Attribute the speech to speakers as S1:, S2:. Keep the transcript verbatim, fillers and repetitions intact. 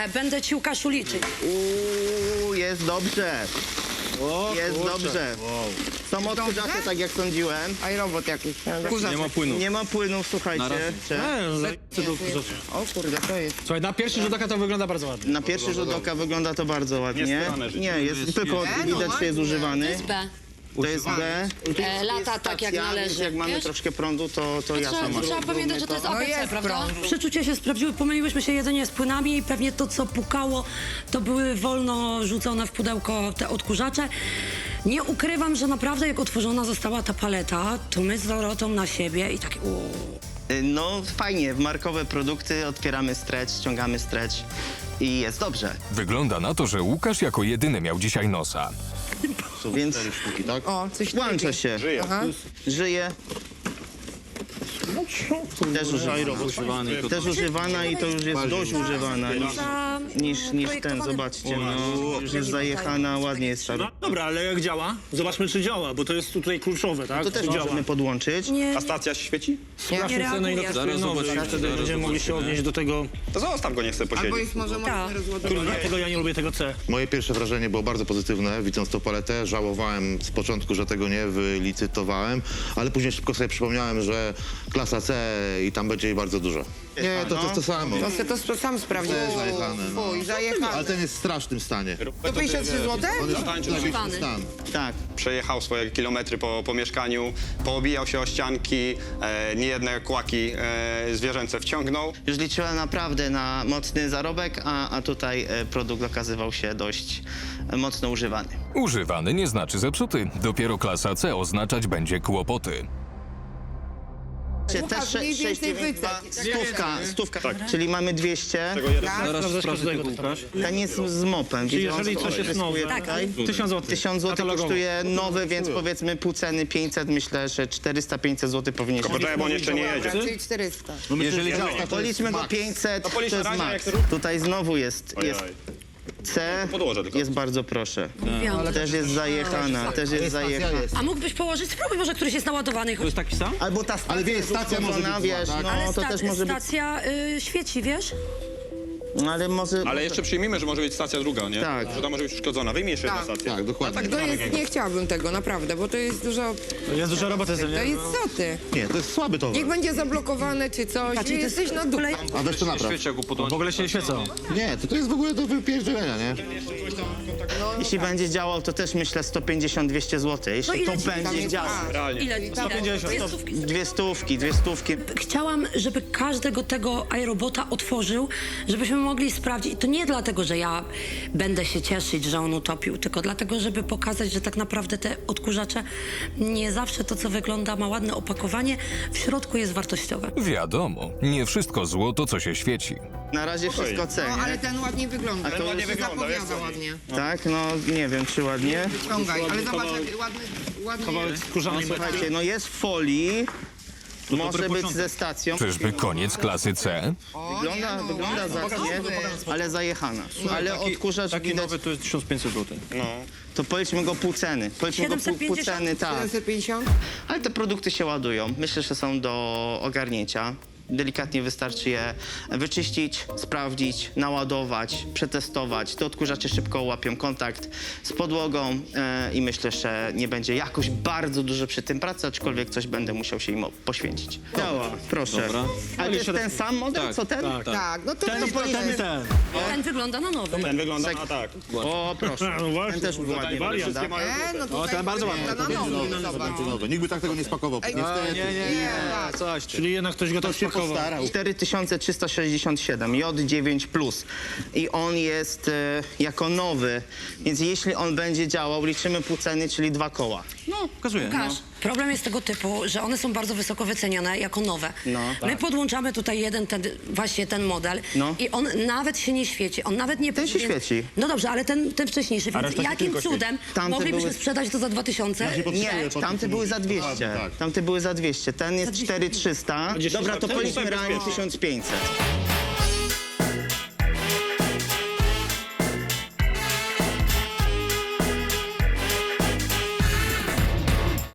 S1: będę ci, Łukaszu, liczyć.
S2: Uuu, jest dobrze.
S3: O,
S2: Jest
S3: kurczę.
S2: dobrze.
S3: Wow.
S2: Są odkurzacze, tak jak sądziłem.
S4: A i robot jakiś.
S3: Nie ma płynu.
S2: Nie ma płynów, słuchajcie. Czy?
S3: Nie, za- co do-
S4: O kurde, to jest.
S3: Słuchaj, na pierwszy rzut oka to wygląda bardzo ładnie.
S2: Na pierwszy rzut oka wygląda to bardzo ładnie. Nie, jest, tylko widać, że jest używany.
S1: To jest B.
S2: To jest B.
S1: E, lata tak jak
S2: Stacja,
S1: należy,
S2: więc Jak mamy
S1: wiesz?
S2: troszkę prądu, to, to
S1: Trzeba,
S2: jasno
S1: trzeba
S2: masz.
S1: pamiętać, że to jest A P C,
S4: jest
S1: prawda?
S4: prąd.
S1: Przeczucia się sprawdziły, pomyliłyśmy się jedynie z płynami i pewnie to, co pukało, to były wolno rzucone w pudełko te odkurzacze. Nie ukrywam, że naprawdę jak otworzona została ta paleta, to my z Dorotą na siebie i takie uuu.
S2: No fajnie, w markowe produkty otwieramy stretch, ściągamy stretch i jest dobrze.
S5: Wygląda na to, że Łukasz jako jedyny miał dzisiaj nosa.
S2: Więc
S4: O, coś
S2: włącza się.
S4: Aha.
S2: Żyje. Też używana. Też używana i to już jest dość używana niż,
S1: Za,
S2: niż, niż ten,
S1: projektowany-
S2: zobaczcie. No, już jest zajechana, ładnie jest ta.
S3: Dobra, ale jak działa? Zobaczmy, czy działa, bo to jest tutaj kluczowe, tak?
S2: To też
S3: Czy działa?
S2: możemy podłączyć.
S1: Nie,
S6: A stacja świeci?
S3: Sprawdźmy
S1: Nie
S3: cenę i
S1: reaguje.
S3: dotestuję nowy, i wtedy będziemy mogli się odnieść do tego.
S6: To zostaw go, niech sobie
S4: Albo
S6: posiedzi.
S4: jest może
S1: Tak.
S4: można rozładować.
S3: Kurde, dlatego ja nie lubię tego C.
S7: Moje pierwsze wrażenie było bardzo pozytywne, widząc tą paletę. Żałowałem z początku, że tego nie wylicytowałem, ale później szybko sobie przypomniałem, że klasa C i tam będzie jej bardzo dużo. Nie, to, to jest to samo.
S4: To se to sam sprawdził.
S7: Też zajechane, no.
S4: Fuj, zajechane.
S7: Ale ten jest w strasznym stanie.
S4: To pięćdziesiąt trzy złote?
S7: On jest w najlepszym stan.
S2: Tak.
S6: Przejechał swoje kilometry po, po mieszkaniu, poobijał się o ścianki, e, niejedne kłaki e, zwierzęce wciągnął.
S2: Już liczyłem naprawdę na mocny zarobek, a, a tutaj e, produkt okazywał się dość e, mocno używany.
S5: Używany nie znaczy zepsuty. Dopiero klasa C oznaczać będzie kłopoty.
S4: Łukasz,
S2: Też
S4: mniej
S2: sze-
S4: więcej
S2: sześć, dziewięć,
S4: wycen.
S2: dwa, stówka, stówka. Czyli mamy dwieście.
S3: Zaraz z każdego tak.
S2: Ten jest z mopem.
S3: Czyli
S2: widzicie, on
S3: jeżeli coś jest
S2: zyskuje
S3: nowe,
S2: tutaj.
S3: tysiąc złotych.
S2: tysiąc złotych
S3: Katalogowo.
S2: kosztuje nowy, więc powiedzmy pół ceny pięćset. Myślę, że czterysta pięćset złotych powinien się.
S6: Poczekaj, bo on jeszcze nie jedzie.
S4: Czyli czterysta.
S7: Jeżeli działa, to
S2: Policzmy
S7: jest
S2: go
S7: max.
S2: pięćset, to
S6: policzmy
S2: jest
S6: razie,
S2: max.
S6: jak-
S2: Tutaj znowu jest, jest
S6: Ojej.
S2: C,
S6: Podłożę tylko.
S2: jest bardzo proszę.
S1: wiem.
S2: Też jest zajechana, też jest zajechana.
S1: A mógłbyś położyć, spróbuj może któryś jest naładowany.
S3: To jest taki sam?
S2: Albo ta stacja,
S7: Ale wiesz, stacja może być
S2: zła,
S7: zła,
S2: wiesz,
S7: tak?
S1: Ale
S2: no to
S1: sta-
S2: też może być,
S1: stacja y, świeci, wiesz?
S2: ale może...
S6: Ale jeszcze przyjmijmy, że może być stacja druga, nie?
S2: Tak.
S6: Że ta może być uszkodzona. Wyjmij jeszcze
S4: Tak.
S6: jedną stację.
S7: Tak, dokładnie.
S4: To jest, nie chciałabym tego, naprawdę, bo to jest dużo...
S3: Jest dużo roboty z tym,
S4: To
S3: nie?
S4: jest co ty?
S7: Nie, to jest słaby towar.
S4: Niech będzie zablokowane czy coś,
S1: Patrz, i to jest
S4: jesteś na dół.
S1: kolej-
S7: A weź to napraw.
S3: W ogóle się nie świecą.
S7: Nie, to, to jest w ogóle do wypierdzielenia, nie?
S2: Jeśli będzie działał, to też myślę sto pięćdziesiąt do dwustu złotych. Jeśli
S1: No ile
S2: to
S1: ci
S2: będzie
S4: jest-
S2: działał.
S4: A,
S6: Realnie.
S1: Ile? sto
S3: pięćdziesiąt.
S2: Dwie stówki, dwie stówki.
S1: Chciałam, żeby każdego tego iRobota otworzył, żebyśmy mogli sprawdzić. I to nie dlatego, że ja będę się cieszyć, że on utopił, tylko dlatego, żeby pokazać, że tak naprawdę te odkurzacze nie zawsze to, co wygląda, ma ładne opakowanie, w środku jest wartościowe.
S5: Wiadomo, nie wszystko złoto, co się świeci.
S2: Na razie wszystko C,
S4: No,
S2: nie?
S4: ale ten ładnie wygląda.
S2: to
S4: Ten
S2: ładnie
S4: się
S6: wygląda, wiesz
S4: zapowiada
S6: co?
S4: ładnie.
S2: Tak, no nie wiem, czy ładnie.
S4: Ciągaj, ale zobacz, jak ładny, ładnie...
S3: Kawałek skórzanej metry.
S2: Słuchajcie, no jest w folii. Może być ze stacją.
S5: Czyżby koniec klasy C?
S2: Wygląda,
S4: no,
S2: wygląda zacnie, ale zajechana. Ale odkurzacz
S3: Taki
S2: widać,
S3: nowy to jest tysiąc pięćset złotych.
S6: No.
S2: to policzmy go pół ceny. Policzmy go pół, pół
S1: siedemset pięćdziesiąt?
S2: ceny, tak.
S4: siedemset pięćdziesiąt?
S2: Ale te produkty się ładują. Myślę, że są do ogarnięcia. Delikatnie wystarczy je wyczyścić, sprawdzić, naładować, przetestować. Te odkurzacze szybko łapią kontakt z podłogą e, i myślę, że nie będzie jakoś bardzo dużo przy tym pracy, aczkolwiek coś będę musiał się im poświęcić. Działa, proszę.
S3: Dobra.
S2: Ale to jest ten sam model, co ten?
S3: Tak, tak.
S4: Tak, no to
S3: Ten,
S4: weź
S3: ten, ten i ten.
S1: Ten wygląda na nowy.
S6: Ten wygląda, a tak.
S2: O, proszę.
S3: No właśnie,
S2: Ten też
S3: kurde,
S2: ładnie
S3: wariant.
S2: wygląda.
S4: E, no tutaj
S3: ten bardzo ładny.
S4: wygląda na nowy, zobacz.
S7: Nowy. Nikt by tak tego nie spakował. Niestety.
S3: Nie, nie, nie, coś. Czyli jednak ktoś go tak
S7: się
S3: spakował.
S7: postarał.
S2: cztery tysiące trzysta sześćdziesiąt siedem, J dziewięć plus. I on jest e, jako nowy, więc jeśli on będzie działał, liczymy pół ceny, czyli dwa koła.
S3: No, pokazuję.
S1: Łukasz, problem jest tego typu, że one są bardzo wysoko wyceniane jako nowe.
S2: No.
S1: My podłączamy tutaj jeden, ten, właśnie ten model
S2: No.
S1: i on nawet się nie świeci. On nawet nie
S2: Ten się
S1: powinien-
S2: świeci.
S1: No dobrze, ale ten, ten wcześniejszy, więc
S3: reszta się
S1: jakim
S3: tylko świeci.
S1: cudem
S2: Tamte
S1: moglibyśmy
S2: były-
S1: sprzedać to za dwa tysiące?
S2: Nie, tamte były za dwieście.
S7: Tak.
S2: Tamte były za dwieście. Ten jest cztery tysiące trzysta.
S6: Dziesięć
S2: Dobra, to
S6: lat temu
S2: policzmy
S6: tak
S2: realnie
S6: bezpiecznie.
S2: tysiąc pięćset.